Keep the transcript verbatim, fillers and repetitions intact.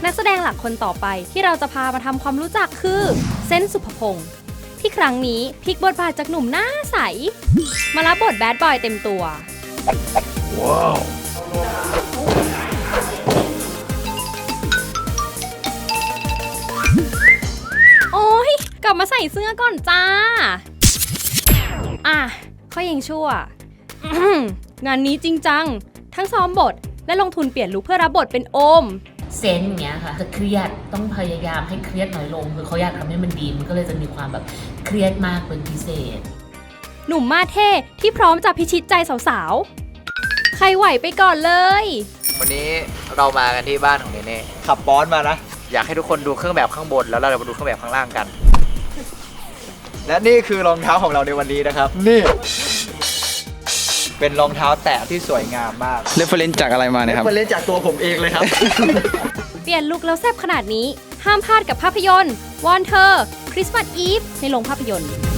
นักแสดงหลักคนต่อไปที่เราจะพามาทำความรู้จักคือเซนต์สุภพงศ์ที่ครั้งนี้พลิกบทบาทจากหนุ่มหน้าใสมารับบทแบดบอยเต็มตัวว้าวโอ้ยกลับมาใส่เสื้อก่อนจ้าอ่ะเขายังชั่ว งานนี้จริงจังทั้งซ้อมบทและลงทุนเปลี่ยนลุคเพื่อรับบทเป็นโอมเซนต์เงี้ยค่ะจะเครียดต้องพยายามให้เครียดน้อยลงคือเขาอยากทำให้มันดีมันก็เลยจะมีความแบบเครียดมากเป็นพิเศษหนุ่มมาเท่ที่พร้อมจะพิชิตใจสาวๆใครไหวไปก่อนเลยวันนี้เรามากันที่บ้านของเนเน่ขับบอสมานะอยากให้ทุกคนดูเครื่องแบบข้างบนแล้วเราจะมาดูเครื่องแบบข้างล่างกันและนี่คือรองเท้าของเราในวันนี้นะครับนี่เป็นรองเท้าแตะที่สวยงามมากเรฟเฟอเรนซ์จากอะไรมาเนี่ยครับเรฟเฟอเรนซ์จากตัวผมเองเลยครับเปลี่ยนลุคแล้วแซ่บขนาดนี้ห้ามพลาดกับภาพยนตร์วอนเธอคริสต์มาสอีฟในโรงภาพยนตร์